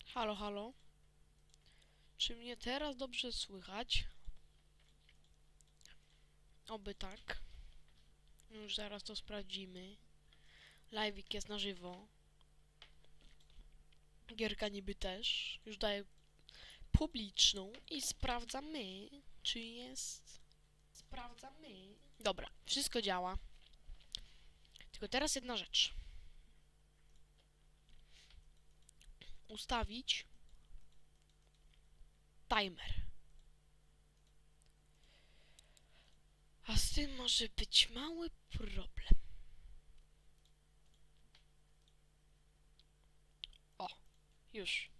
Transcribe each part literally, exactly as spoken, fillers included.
Halo, halo. Czy mnie teraz dobrze słychać? Oby tak. Już zaraz to sprawdzimy. Live'ik jest na żywo. Gierka niby też. Już daję publiczną i sprawdzamy, czy jest... Sprawdzamy. Dobra, wszystko działa. Tylko teraz jedna rzecz. Ustawić timer. A z tym może być mały problem. O, już.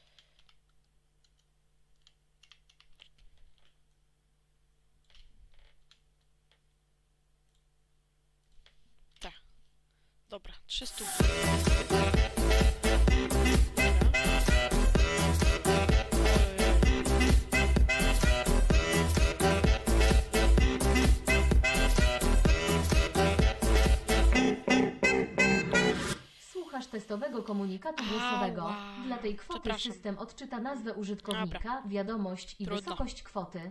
Tak. Dobra, trzysta. Słuchasz testowego komunikatu głosowego. Ała. Dla tej kwoty Przepraszam. system odczyta nazwę użytkownika, Dobra. wiadomość i Trudno. wysokość kwoty.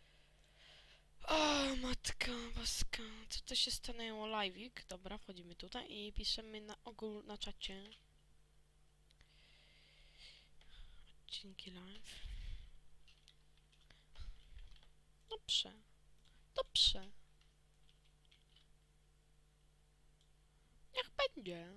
O, matka boska. Co to się stanęło? Live'ik. Dobra, wchodzimy tutaj i piszemy na ogół na czacie. Odcinki live. Dobrze. Dobrze. Niech będzie.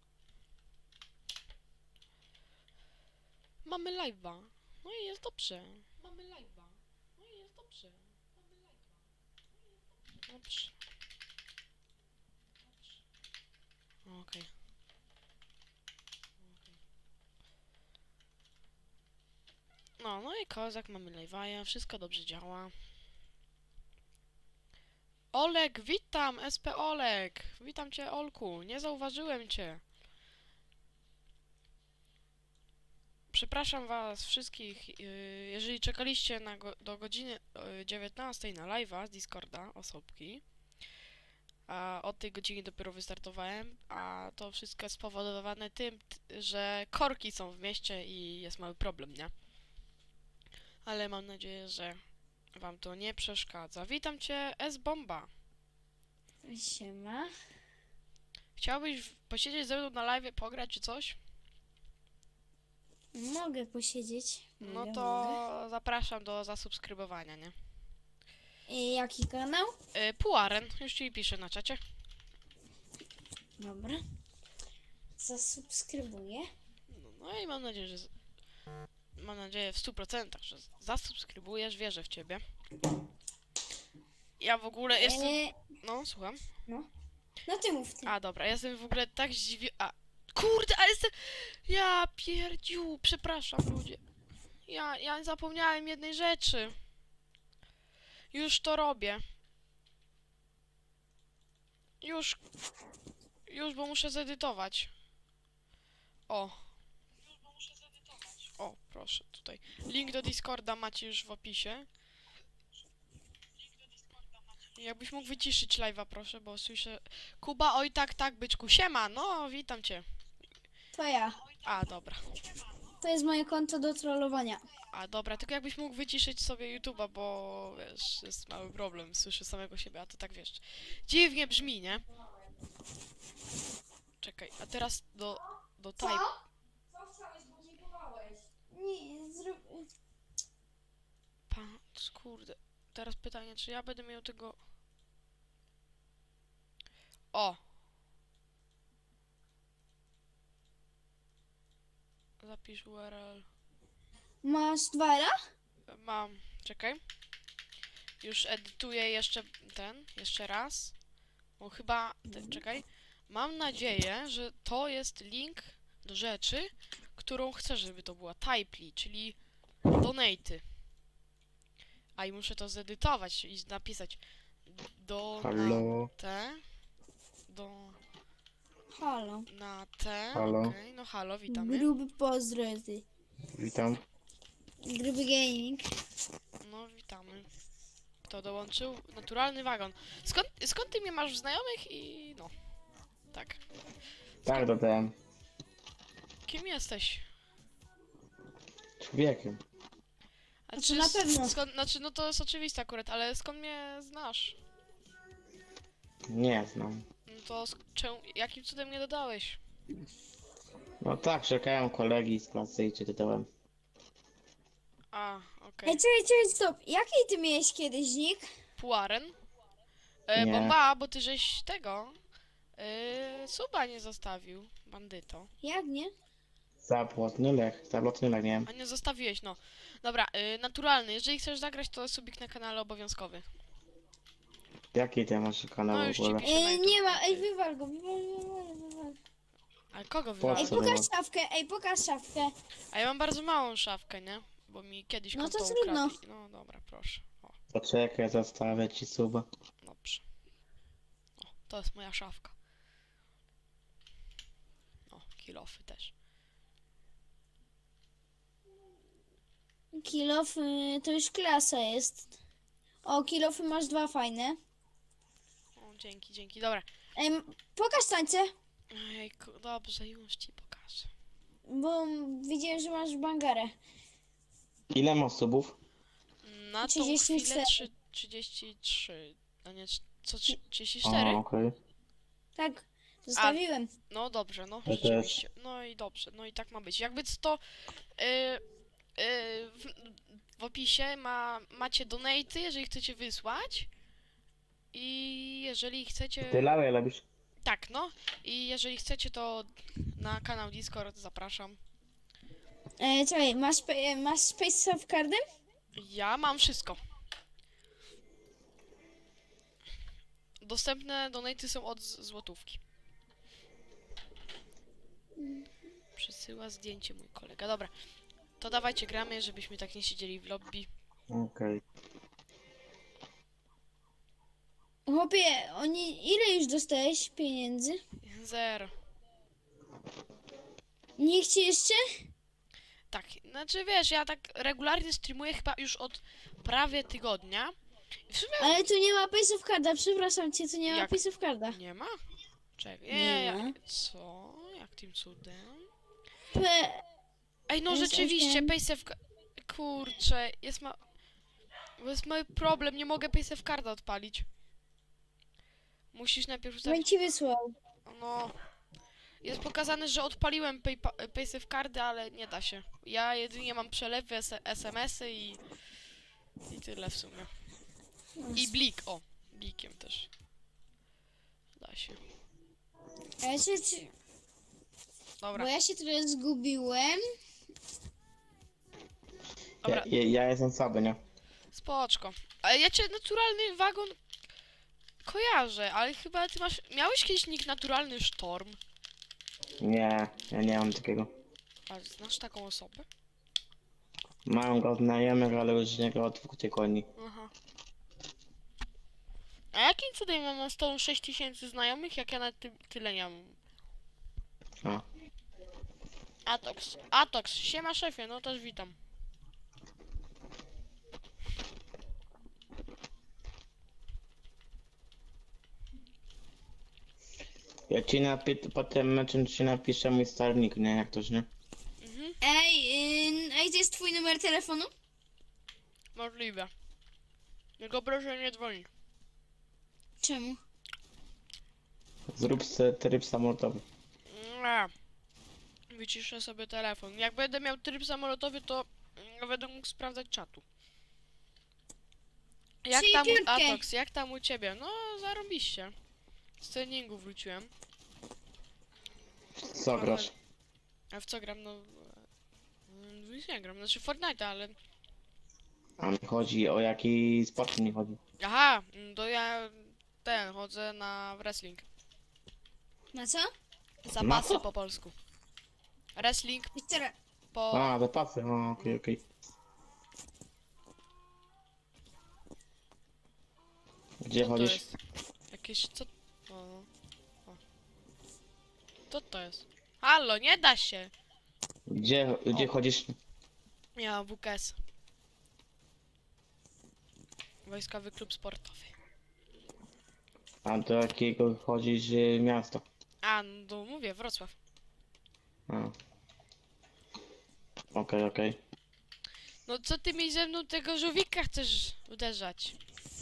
Mamy live'a. No i jest dobrze. Mamy live'a. No i jest dobrze. Mamy live'a. No i jest dobrze. Dobrze. Dobrze. Okej. Okay. Okay. No, no i kozak, mamy live'a, wszystko dobrze działa. Olek, witam! S P Olek! Witam cię, Olku. Nie zauważyłem cię. Przepraszam was wszystkich, yy, jeżeli czekaliście na go do godziny yy, dziewiętnastej na live'a z Discorda, osobki. A od tej godziny dopiero wystartowałem, a to wszystko jest spowodowane tym, t- że korki są w mieście i jest mały problem, nie? Ale mam nadzieję, że wam to nie przeszkadza. Witam cię, S-Bomba. Siema. Chciałbyś w- posiedzieć ze mną na live, pograć czy coś? Mogę posiedzieć. No Mogę, to mogę. zapraszam do zasubskrybowania, nie? I jaki kanał? Yy, Puaren, już ci piszę na czacie. Dobra. Zasubskrybuję. No, no i mam nadzieję, że... z- Mam nadzieję w stu procentach, że z- zasubskrybujesz, wierzę w ciebie. Ja w ogóle jestem... Eee, No, słucham. no ty mów ty. A, dobra, jestem w ogóle tak zdziwiony... A, kurde, ale jestem... Ja pierdziu, przepraszam ludzie. Ja, ja zapomniałem jednej rzeczy. Już to robię. Już... Już, bo muszę zedytować. O. O, proszę, tutaj. Link do Discorda macie już w opisie. Jakbyś mógł wyciszyć live'a, proszę, bo słyszę... Kuba, oj tak, tak, byczku. Siema, no, witam cię. To ja. A, dobra. To jest moje konto do trollowania. A, dobra, tylko jakbyś mógł wyciszyć sobie YouTube'a, bo, wiesz, jest mały problem. Słyszę samego siebie, a to tak, wiesz, dziwnie brzmi, nie? Czekaj, a teraz do... do type... Co chciałeś, bo dziękowałeś? Nie, zrób... Patrz, kurde. Teraz pytanie, czy ja będę miał tego... O! Zapisz U R L. Masz dwa L? Mam, czekaj. Już edytuję jeszcze ten, jeszcze raz. Bo chyba, te, czekaj. Mam nadzieję, że to jest link do rzeczy, którą chcę, żeby to była Typely, czyli donaty. A i muszę to zedytować i napisać Halo, donate, do, Halo. na te, Halo. okej, no halo, witamy. Gruby pozdro ty. witam. Gruby gaming. No, witamy. Kto dołączył? Naturalny wagon. Skąd, skąd ty mnie masz w znajomych i no, tak. Tak, dodałem. Kim jesteś? Wiekiem. A to czy na s- pewno. Skąd, znaczy, no to jest oczywiste akurat, ale skąd mnie znasz? Nie znam. No to sk- czemu, jakim cudem mnie dodałeś? No tak, czekałem kolegi z klasy i cię dodałem. A, okej. Ej, czekaj, czekaj, stop. Jaki ty miałeś kiedyś nick? Puaren? E, Nie. bomba, bo ty żeś tego... E, suba nie zostawił, bandyto. Jak nie? Zablotny lech, zablotny lech, nie wiem. A nie zostawiłeś, no. Dobra, e, naturalny. Jeżeli chcesz zagrać, to subik na kanale obowiązkowy. Jaki ty masz kanał No w już ci ogóle? piszę. na Ej, YouTube. nie ma, ej, wywal go, wywal, wywal, wywal. Ale kogo Ej, wywalić? co? pokaż wywal? szafkę, ej, pokaż szafkę. A ja mam bardzo małą szafkę, nie? Bo mi kiedyś No to konto trudno. ukradli. No dobra, proszę. O, Poczekaj, zostawię ci suba. dobrze. O, to jest moja szafka. O, kilofy też. Kilof, y, to już klasa jest. O, kilofy masz dwa fajne. O, dzięki, dzięki. Dobra. Ej, m- pokaż tańce, Ejku, dobrze, już ci pokażę. bo widziałem, że masz bangarę. Ile masz subów? Na tą trzydzieści chwilę cztery. trzy, trzydzieści trzy. A nie, trz- co, trzy- trzydzieści A, cztery? okej. Tak, zostawiłem. No dobrze, no Ja rzeczywiście. No i dobrze, no i tak ma być. Jakby to yy, yy, w, w opisie ma, macie donaty, jeżeli chcecie wysłać. I jeżeli chcecie. Ty lałe robisz? Tak, no. I jeżeli chcecie, to na kanał Discord zapraszam. Ej, czekaj, masz, pe- masz Space of Cardem? Ja mam wszystko. Dostępne donaty są od z- złotówki. Przesyła zdjęcie mój kolega. Dobra. To dawajcie gramy, żebyśmy tak nie siedzieli w lobby. Okej. Chłopie, oni, ile już dostałeś pieniędzy? Zero. Nie chcecie jeszcze? Tak, znaczy wiesz, ja tak regularnie streamuję chyba już od prawie tygodnia. I w sumie Ale tu nie ma Space of Carda, przepraszam cię, tu nie ma Jak? Space of Carda. nie ma? Czekaj, Nie nie, ma. ja, co? Jak tym cudem? P... Ej, no Jest rzeczywiście, osiem. Paysafe... Kurczę, jest ma... Bo jest mały problem, nie mogę Paysafe Carda odpalić. Musisz najpierw Bym ustawić... ci wysłał. No... Jest pokazane, że odpaliłem Paypa- Paysafe Cardy, ale nie da się. Ja jedynie mam przelewy, S- SMSy i... I tyle w sumie. I blik, o. Blikiem też. Da się. A ja się, czy- Dobra, bo ja się trochę zgubiłem. Ja, dobra, ja, ja jestem słaby, nie? spoczko. Ale ja cię naturalny wagon kojarzę, ale chyba ty masz... Miałeś kiedyś nick naturalny Sztorm? Nie, ja nie mam takiego. A znasz taką osobę? Mam go od znajomych, ale już nie go od dwóch tygodni. Aha. A jakim cudem ja mam z tą sześć tysięcy znajomych, jak ja na ty tyle nie mam? A. Atox. Atox, siema szefie, no też witam. Ja ci napi potem meczem ci napiszę mój starnik, nie? Jak toż, nie? Mhm, Ej, yy, ej, to jest twój numer telefonu? możliwe. Tylko proszę nie dzwonić. Czemu? Zrób sobie tryb samolotowy. Nie. Wyciszę sobie telefon. Jak będę miał tryb samolotowy, to mm, będę mógł sprawdzać czatu. Jak Czyli tam u piątkę. Atox, jak tam u ciebie? No, zarobiście. Z treningu wróciłem. Co grasz? A w co gram? No... mm, w nic nie gram, znaczy Fortnite, ale... A mi chodzi o jaki sport mi chodzi. Aha, mm, to ja ten, chodzę na wrestling. Na co? Zapasy co? po polsku. Wrestling Jeszcze raz. po... A, zapasy, o, okej, okej. Gdzie Co to chodzisz? jest? Jakieś... co... O, o. Co to jest? Halo, nie da się! Gdzie, gdzie O. chodzisz? Ja mam W K S. Wojskowy klub sportowy. A do jakiego chodzisz y, miasta? A, no to mówię, Wrocław. A. Okej, okej. No co ty mi ze mną tego żółwika chcesz uderzać?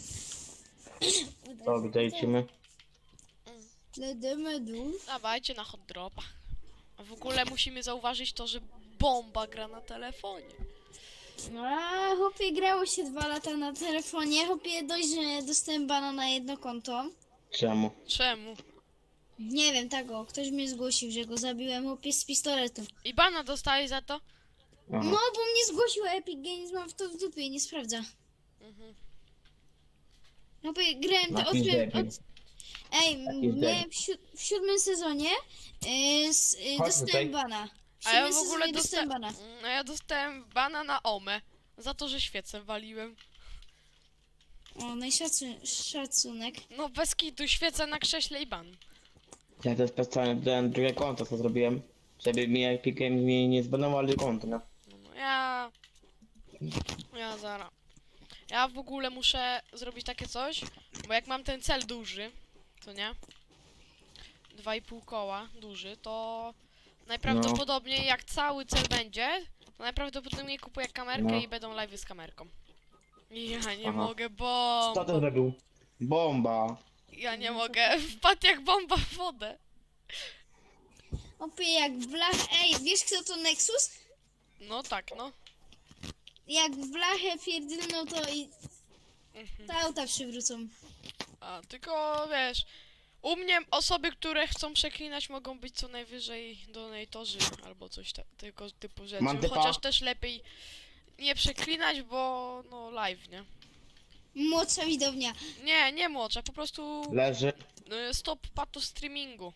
To gdzie lecimy? Lecimy dół. Dawajcie na hot dropa. A w ogóle musimy zauważyć to, że bomba gra na telefonie. A chłopie, grało się dwa lata na telefonie. Chłopie, dość, że dostałem bana na jedno konto. Czemu? Czemu? Nie wiem, tak o, ktoś mnie zgłosił, że go zabiłem, chłopie, z pistoletu. I bana dostali za to? Aha. No, bo mnie zgłosił Epic Games, mam w to w dupie i nie sprawdza. Mhm. Chłopie, grałem, to Jakiś odkryłem... debil. Od... Ej, Jakiś mnie debil. w, siód w siódmym sezonie yy, s, yy, Chodź dostałem tutaj. bana. W A ja siódmym w ogóle sezonie dostałem dostałem... bana. No ja dostałem bana na Omę. Za to, że świecę waliłem. O, no i szacun szacunek. No bez kitu, świecę na krześle i ban. Ja to specjalnie dodałem drugie konto, co zrobiłem. Żeby mi Epic Games mi nie zbanował konto, no. No ja... Ja zara. Ja w ogóle muszę zrobić takie coś, bo jak mam ten cel duży, to nie? Dwa i pół koła duży, to najprawdopodobniej jak cały cel będzie, to najprawdopodobniej kupuję kamerkę No. i będą live'y z kamerką. Ja nie Aha. mogę, Co to bomba. zrobił? Bomba. Ja nie mogę, wpadł jak bomba w wodę. Chłopie, jak w blach... Ej, wiesz kto to Nexus? No tak, no. Jak w blachę pierdolną, to i... Mhm. te auta przywrócą. A, tylko wiesz, u mnie osoby, które chcą przeklinać, mogą być co najwyżej donatorzy albo coś ta- tego typu rzeczy. Mam typa. Chociaż też lepiej nie przeklinać, bo no live, nie? Młodsza widownia. Nie, nie młodsza, po prostu Leży. y, stop pato streamingu.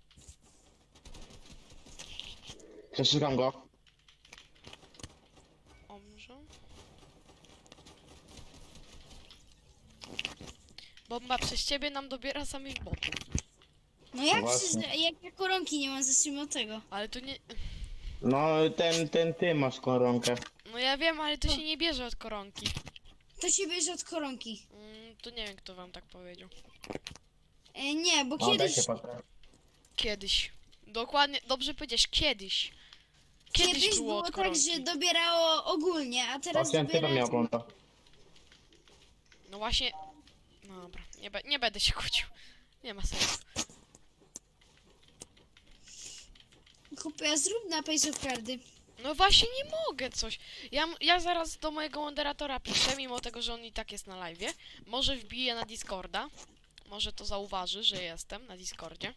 Przeszukam go. Omrze. Bomba przez ciebie nam dobiera samych botów. No jak, Właśnie. przecież, jak ja koronki nie mam, zacznijmy od tego. Ale to nie... No ten, ten ty masz koronkę. No ja wiem, ale to się nie bierze od koronki. To się bierze od koronki. Mm, to nie wiem, kto wam tak powiedział. E, nie, bo No daj kiedyś... się patrzę. Kiedyś. Dokładnie, dobrze powiedziałeś, kiedyś. Kiedyś, Kiedyś było, było od tak, koronki. że dobierało ogólnie, a teraz Osiem typa dobiera... miał konto. No właśnie... No dobra, nie, be, nie będę się kłócił. Nie ma sensu. Kupię, zrób napis od kardy. No właśnie nie mogę coś. Ja, m- ja zaraz do mojego moderatora piszę, mimo tego, że on i tak jest na live'ie. Może wbiję na Discorda. Może to zauważy, że jestem na Discordzie.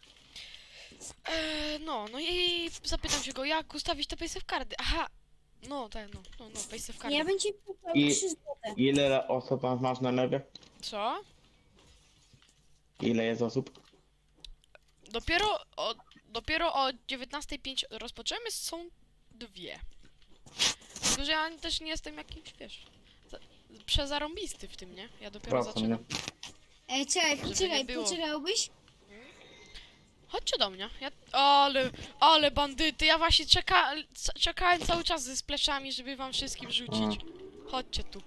Eee, no, no i zapytam się go, jak ustawić te paysafe kardy. Aha! No, tak, no, no, no, paysafe kardy. Ja bym ci kupił I- trzy złote. Ile osób masz na lewie? Co? Ile jest osób? Dopiero o, dopiero o dziewiętnasta pięć rozpoczęmy, są dwie. Tylko, że ja też nie jestem jakimś, wiesz, za- przezarąbisty w tym, nie? Ja dopiero Proszę mnie. zaczynam. Ej, czekaj, Żeby poczekaj, nie było. poczekałbyś? Chodźcie do mnie. Ja, ale, ale bandyty, ja właśnie czeka, c- czekałem cały czas ze spleszami, żeby wam wszystkim rzucić. Chodźcie tu.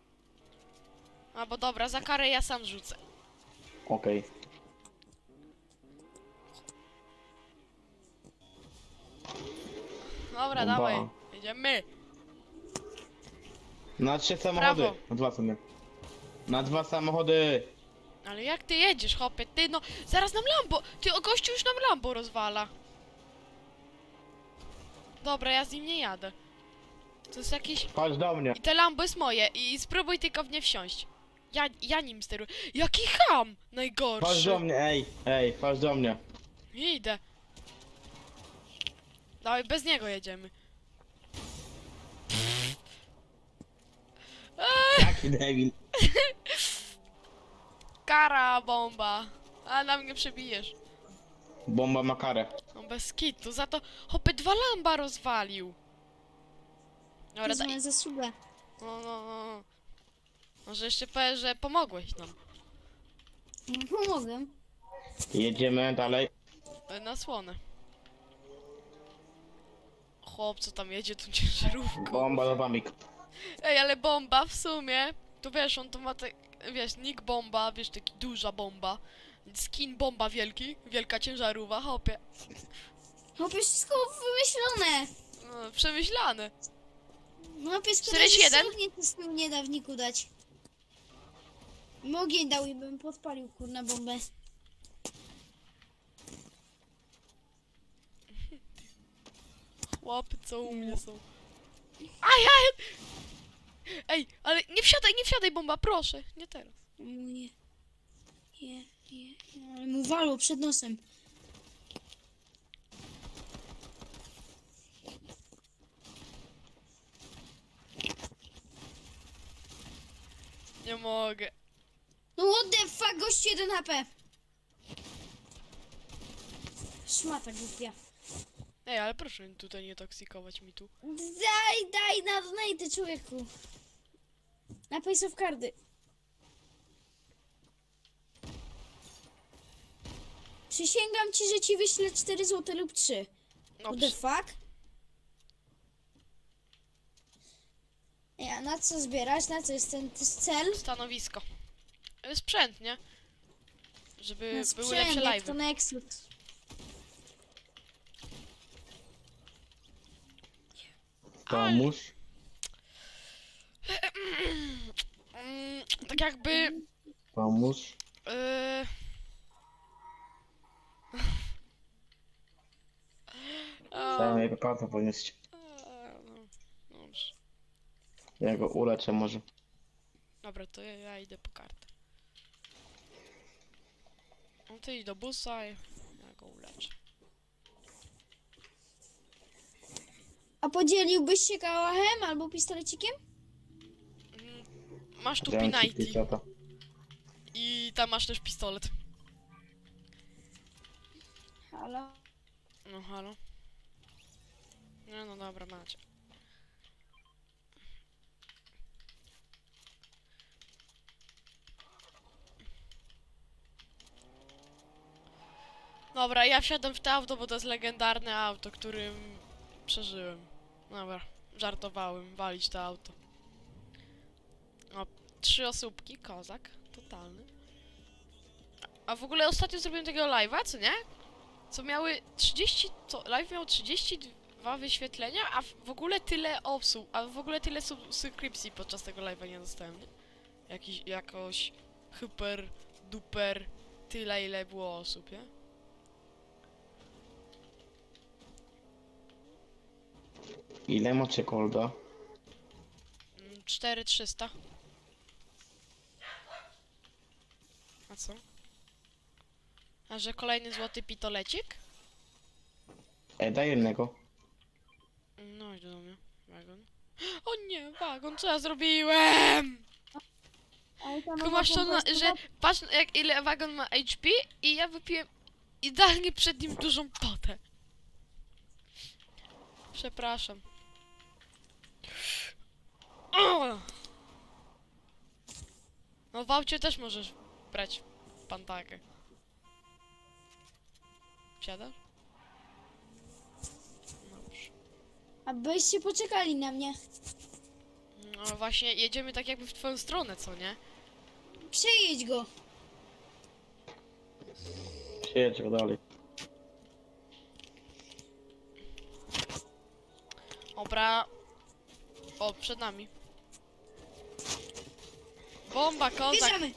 A bo dobra, za karę ja sam rzucę. Okej. Dobra, Bomba. dawaj, jedziemy. Na trzy samochody. Brawo. Na dwa sobie. Na dwa samochody. Ale jak ty jedziesz, hopie? Ty no, zaraz nam Lambo! Ty, o gościu już nam Lambo rozwala. Dobra, ja z nim nie jadę. To jest jakiś... Chodź do mnie. I te Lambo jest moje i spróbuj tylko w nie wsiąść. Ja, ja nim steruję. Jaki ham! Chodź do Najgorszy. mnie, ej, ej, chodź do mnie. Idę. Dawaj, bez niego jedziemy. Jaki debil. Kara, bomba. A na mnie przebijesz. Bomba ma karę. No bez kitu, za to hopy dwa Lamba rozwalił. Dobra, daj. Wezmę zasługę. No, no, no. Może jeszcze powiesz, że pomogłeś nam. No, pomogę. Jedziemy dalej. E, Na słonę. Chłop, co tam jedzie tą ciężarówką. Bomba do wamik. Ej, ale bomba w sumie, to wiesz, on to ma tak, wiesz, nick bomba, wiesz, taki duża bomba. Skin bomba wielki, wielka ciężarówka, hopie. Chłopie, wszystko wymyślone. No, przemyślane. No pies czterdzieści jeden? nie to z tyłu nie da w niku dać. Ogień dał i bym podpalił kurna bombę. Chłopy, co u mnie są. Ajaj! Ej, ale nie wsiadaj, nie wsiadaj, bomba, proszę. Nie teraz. O nie. Nie, nie, nie. Ale mu walło przed nosem. Nie mogę. No what the fuck, gość jeden H P. Szmata głupia. Ej, ale proszę tutaj nie toksikować mi tu. Daj, daj na donate, człowieku. Na Pace of Cardy. Przysięgam ci, że ci wyślę cztery złote lub trzy. What the Dobrze. fuck? Ej, a na co zbierać? Na co jest ten to jest cel? Stanowisko. E, Sprzęt, nie? Żeby Na były sprzęt, lepsze jak live. to Nexus. Pomóż. Mm, tak jakby... Pomóż. Yy... A, Daj mojego kartę podnieść. a, no, dobrze. Ja go uleczę może. Dobra, to ja, ja idę po kartę. No ty idź do busa i ja go uleczę. A podzieliłbyś się kałachem albo pistolecikiem? Mm, Masz tu Dzięki, pinajty Pisata. i tam masz też pistolet. Halo? No halo. No no dobra, macie. Dobra, ja wsiadam w to auto, bo to jest legendarne auto, którym przeżyłem. Dobra, żartowałem, walić to auto. O, trzy osóbki, kozak, totalny. A w ogóle ostatnio zrobiłem takiego live'a, co nie? Co miały trzydzieści, co, live miał trzydzieści dwa wyświetlenia, a w w ogóle tyle osób, a w ogóle tyle subskrypcji podczas tego live'a nie dostałem, nie? Jakiś, jakoś hyper, duper, tyle ile było osób, nie? Ile macie kolda? Mm, cztery trzysta. A co? A że kolejny złoty pitolecik? Ej, daj jednego. No idź do mnie, wagon. O nie, wagon, co ja zrobiłem? Ale tam Kumasz to, na, że patrz jak ile wagon ma H P i ja wypiłem idealnie przed nim dużą potę. Przepraszam. O! No w aucie też możesz brać pantakę. Wsiadasz? Dobrze. A byście poczekali na mnie. No właśnie, jedziemy tak jakby w twoją stronę, co nie? Przejedź go. Przyjedź go dalej. Dobra. O, przed nami. Bomba, kozak. Bierzemy.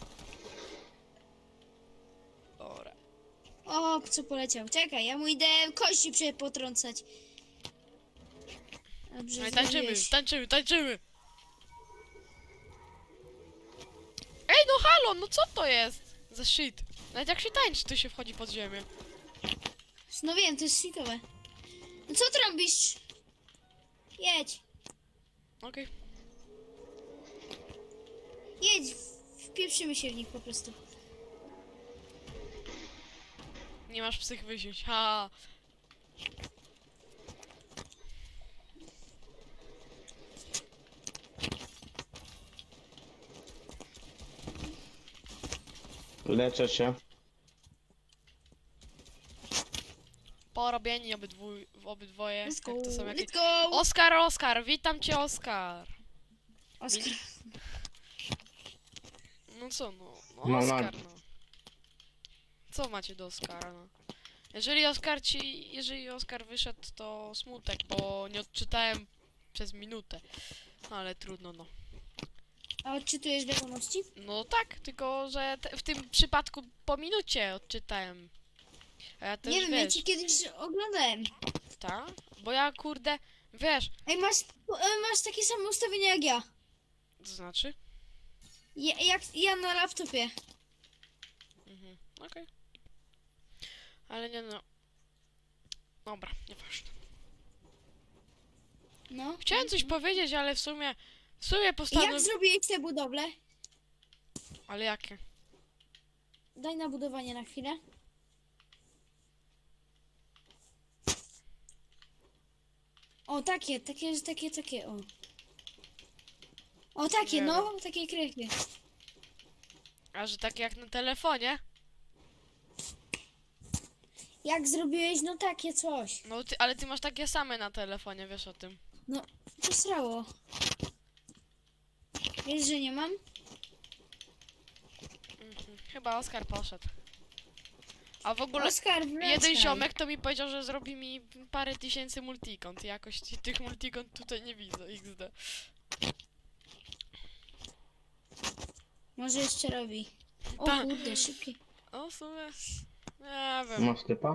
Dobra. O, co poleciał. Czekaj, ja mu idę kości prze potrącać. Dobrze, No i tańczymy, zrobiłeś. tańczymy, tańczymy. Ej, no halo, no co to jest? Za shit. Nawet jak się tańczy, to się wchodzi pod ziemię. No wiem, to jest shitowe. No co trąbisz? Jedź. Okej. Jedź. Wpieprzymy się w nich po prostu. Nie masz psych wysiąść. Ha. Leczę się. Porobieni obydwój, obydwoje. Let's go. Jak to są jakieś... Let's go. Oskar, Oskar, witam cię, Oskar. Oskar. No co, no, no No, Oskar, no. Co macie do Oskara, no? Jeżeli Oskar ci, jeżeli Oskar wyszedł, to smutek, bo nie odczytałem przez minutę. No ale trudno, no. A odczytujesz wiadomości? No tak, tylko że te, w tym przypadku po minucie odczytałem. A ja też Nie wiem, ja wiesz, ci kiedyś oglądałem. ta? Bo ja kurde, wiesz, Ej, masz, e, masz takie same ustawienia jak ja. to znaczy? ja jak ja na laptopie. Mhm, okej. Ale nie no. Dobra, nieważne. No. Chciałem coś powiedzieć, ale w sumie, w sumie Jak postanowiłem... zrobiłeś te budowle? Ale jakie? Daj na budowanie na chwilę. O, takie, takie, takie, takie, o. O, takie, Nie no, takie krychy. A że takie jak na telefonie? Jak zrobiłeś, no takie coś. No ty, ale ty masz takie same na telefonie, wiesz o tym. No, to srało. Wiesz, że nie mam? Mhm. Chyba Oskar poszedł. A w ogóle Oskar, wracaj. jeden ziomek to mi powiedział, że zrobi mi parę tysięcy multikont. Jakoś ty- tych multikont tutaj nie widzę, iks de. Może jeszcze robi. O Ta. kurde, szybkie. O, w sumie... Nie wiem, Masz typa?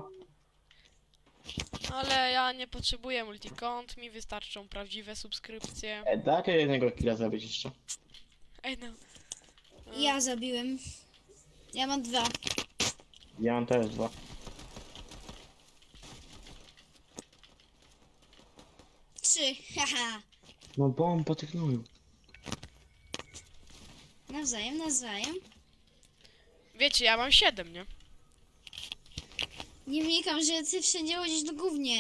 ale ja nie potrzebuję multikont, mi wystarczą prawdziwe subskrypcje. E, dajcie jednego killa zrobić jeszcze. Ej no. Ja zabiłem. Ja mam dwa. Ja mam też dwa. Trzy, haha. No bo on po tych gnoju. Nawzajem, nawzajem. Wiecie, ja mam siedem, nie? Nie wnikam, że ty wszędzie chodzisz do gównie.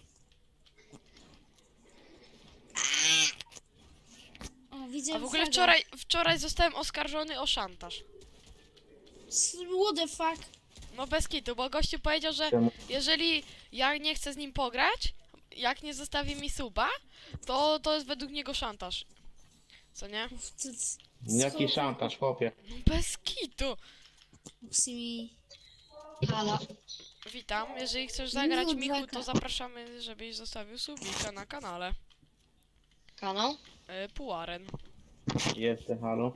O, widzę A w ogóle fraga. wczoraj, wczoraj zostałem oskarżony o szantaż. S- What the fuck? No bez kitu, bo gościu powiedział, że Czemu? jeżeli ja nie chcę z nim pograć, jak nie zostawi mi suba, to to jest według niego szantaż. Co nie? Uf, to- to- Jaki co- szantaż, chłopie. No bez kitu. Musi mi... Halo. Witam, jeżeli chcesz zagrać No, Michu, dwaka. to zapraszamy, żebyś zostawił subika na kanale. Kanał? E, Puaren. Jestem, halo.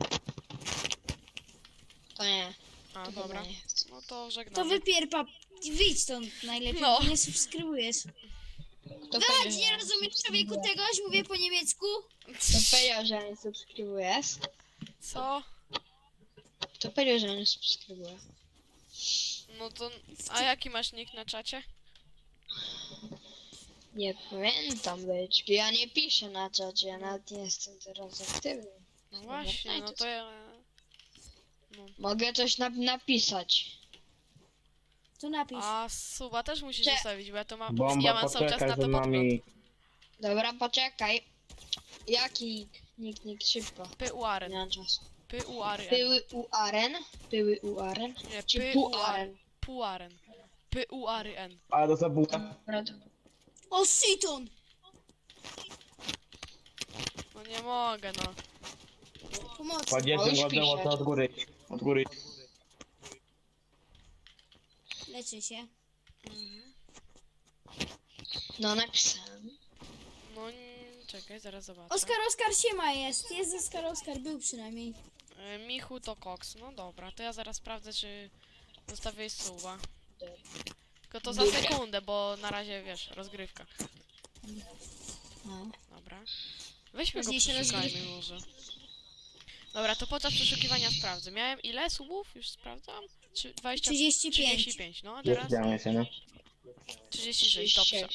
To nie. A, To dobra. chyba nie chcę. No to To żegnamy. wypierpa... Wyjdź stąd najlepiej, No. bo nie subskrybujesz. Kto Chodź, powiedział, nie że rozumiesz człowieku tegoś? Mówię po niemiecku. Kto powiedział, że nie subskrybujesz? Co? Kto powiedział, że nie subskrybuje? No to... A jaki masz nick na czacie? Nie pamiętam być. Ja nie piszę na czacie, ja nawet nie jestem teraz aktywny. No właśnie, no to ja... No. Mogę coś nap napisać. To napisz. A suba też musisz Cze- zostawić, bo ja to mam... Bomba, Ja mam cały czas poczekaj na z to podgląd. nami. Dobra, poczekaj. Jaki nick, nick, szybko. Nie P-U-Aren. mam czasu. P-U-R-N. Pyły u aren? Pyły u aren? Nie, Czy P-U-R-N. puaren? Puaren. P-U-R-N. Ale to zabuła. Dobra, to- O, Siton! No nie mogę, no. Pomocy. Kładziecie już ładną pisze. to od góry. Od góry. Leczę się. Mhm. No napisałem. No nie, czekaj, zaraz zobaczę. Oskar, Oskar siema jest. Jest Oskar, Oskar był przynajmniej. E, Michu to koks. No dobra, to ja zaraz sprawdzę, czy zostawię suba. Tylko to za Dobra. sekundę, bo na razie, wiesz, rozgrywka. No. Dobra. Weźmy go Ważniejsze przeszukajmy może. Dobra, to podczas przeszukiwania sprawdzę. Miałem ile subów? Już sprawdzam? Czy dwadzieścia... trzydzieści pięć. trzydzieści pięć, no a Jest teraz działanie się, no. trzydzieści sześć, dobrze.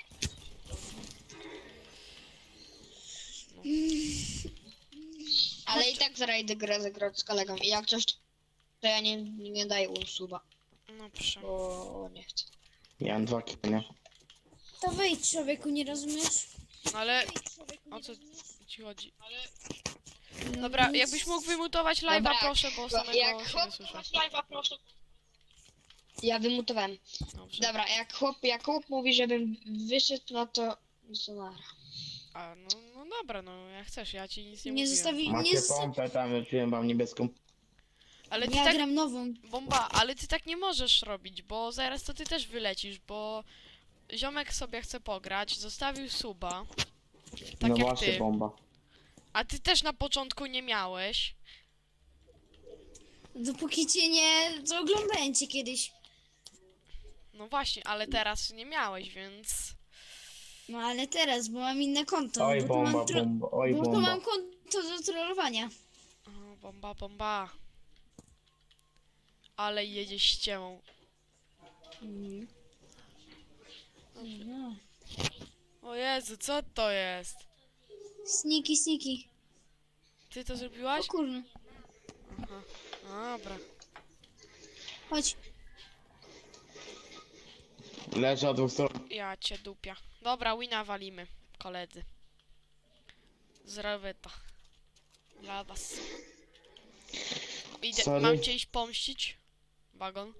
Ale i tak zrajdę grę zagrać z kolegą. I jak coś, to ja nie, nie daję usuba, No proszę. bo nie chcę. Ja mam dwa kille, nie? To wyjdź człowieku, nie rozumiesz? No ale o co ci chodzi? Dobra, jakbyś mógł wymutować live'a, Dobra, proszę, bo Bo samego jak się nie chłop... słyszę. Ja wymutowałem. Dobrze. Dobra, jak chłop, jak chłop mówi, żebym wyszedł, no to... No to nara. A, no, no dobra, no jak chcesz, ja ci nic nie, Nie mówiłem. zostawi... Nie Macie zostawi... pompę tam, rzuciłem wam niebieską. Ale ty Ja tak, gram nową. bomba, ale ty tak nie możesz robić, bo zaraz to ty też wylecisz, bo ziomek sobie chce pograć, zostawił suba Tak no jak właśnie, ty. bomba. A ty też na początku nie miałeś. Dopóki cię nie... to oglądałem cię kiedyś. No właśnie, ale teraz nie miałeś, więc... No ale teraz, bo mam inne konto. Oj, bo tu bomba, mam tro... bomba, oj, Bo tu bomba. mam konto do trollowania. O, bomba, bomba. Ale jedzie ściemą. Mm. No. O Jezu, co to jest? Sniki, sniki. Ty to O zrobiłaś? kurna. Aha, dobra. Chodź. Leży od dwóch stron. Ja cię dupia. Dobra, wina walimy, koledzy. Zrobię to. Dla was. Idę, Sorry. mam cię iść pomścić? Wagon?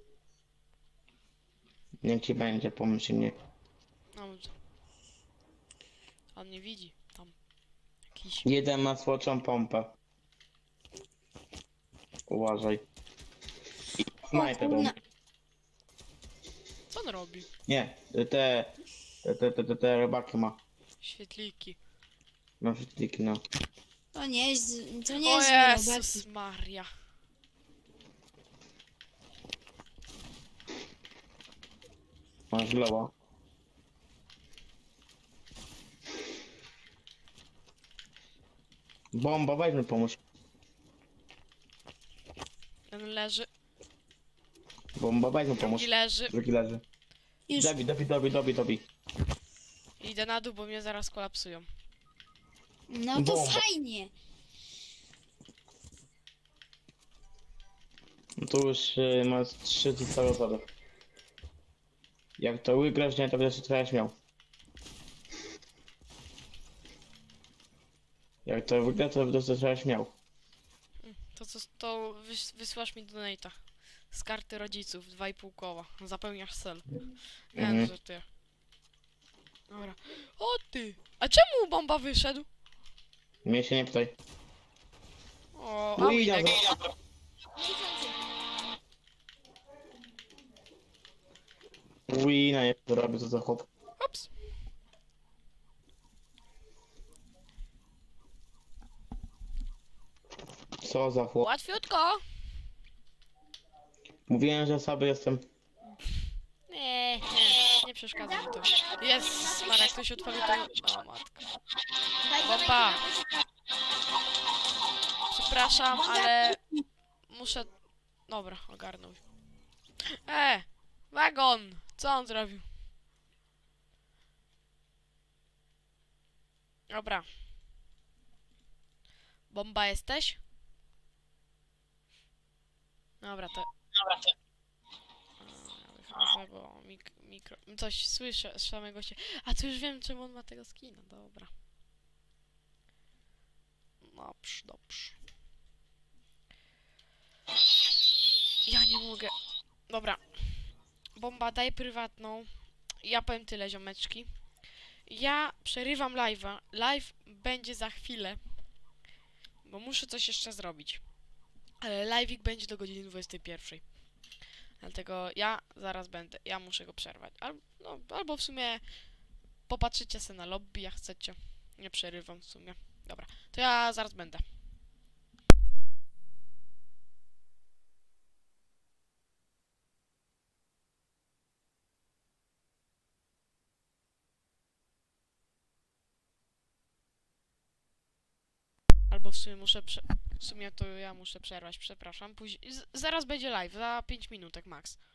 Niech ci będzie, pomyśl mnie. No dobrze. On nie widzi. Tam. Jakiś. Jeden ma słoczą pompę. Uważaj. I snajper kurna. bomb. Co on robi? Nie, te, te, te, te, te, te rybaki ma. Świetliki. Ma wszystkie, no. To nie jest... To nie O jest Jezus Jezus. Maria. Masz glowa. Bomba, weźmy pomóż. Ten leży. Bomba, weźmy pomóż. Drugi leży. Drugi leży. Już. Dobi, dobi, dobi, dobi, dobi. Idę na dół, bo mnie zaraz kolapsują. No to Bomba. fajnie. No to już y, masz trzy całe osoby. Jak to wygrasz, nie, to będziesz trochę śmiał. Jak to wygra, to będziesz trochę śmiał. To co, to wys wysyłasz mi donate'a. Z karty rodziców, dwa i pół koła. Zapełniasz cel. Nie Mhm. no, że ty. Dobra. O ty! A czemu bomba wyszedł? Mnie się nie pytaj. O, a Uj, Winek. dobra. Wina, nie to robię, co za chłop. Ups. Co za chłop. Łatwiutko. Mówiłem, że sobie jestem. Nie, nie, nie przeszkadza mi to. Jest, Marek, ktoś odpalił to... O, matka. Bomba! Przepraszam, ale... Muszę... Dobra, ogarnął. E! Wagon! Co on zrobił? Dobra. Bomba jesteś? Dobra, to... Dobra, to... Ja wychodzę, bo mik mikro... Coś słyszę z samego się... A to już wiem, czemu on ma tego skina. Dobra. Dobrze, dobrze. Ja nie mogę. Dobra. Bomba, daj prywatną. Ja powiem tyle, ziomeczki. Ja przerywam live'a. Live będzie za chwilę. Bo muszę coś jeszcze zrobić. Ale live'ik będzie do godziny dwudziestej pierwszej. Dlatego ja zaraz będę. Ja muszę go przerwać. Al no, albo w sumie popatrzycie sobie na lobby, jak chcecie. Nie przerywam w sumie. Dobra, to ja zaraz będę. Albo w sumie muszę prze... W sumie to ja muszę przerwać, przepraszam. Później... Z zaraz będzie live, za pięć minutek max.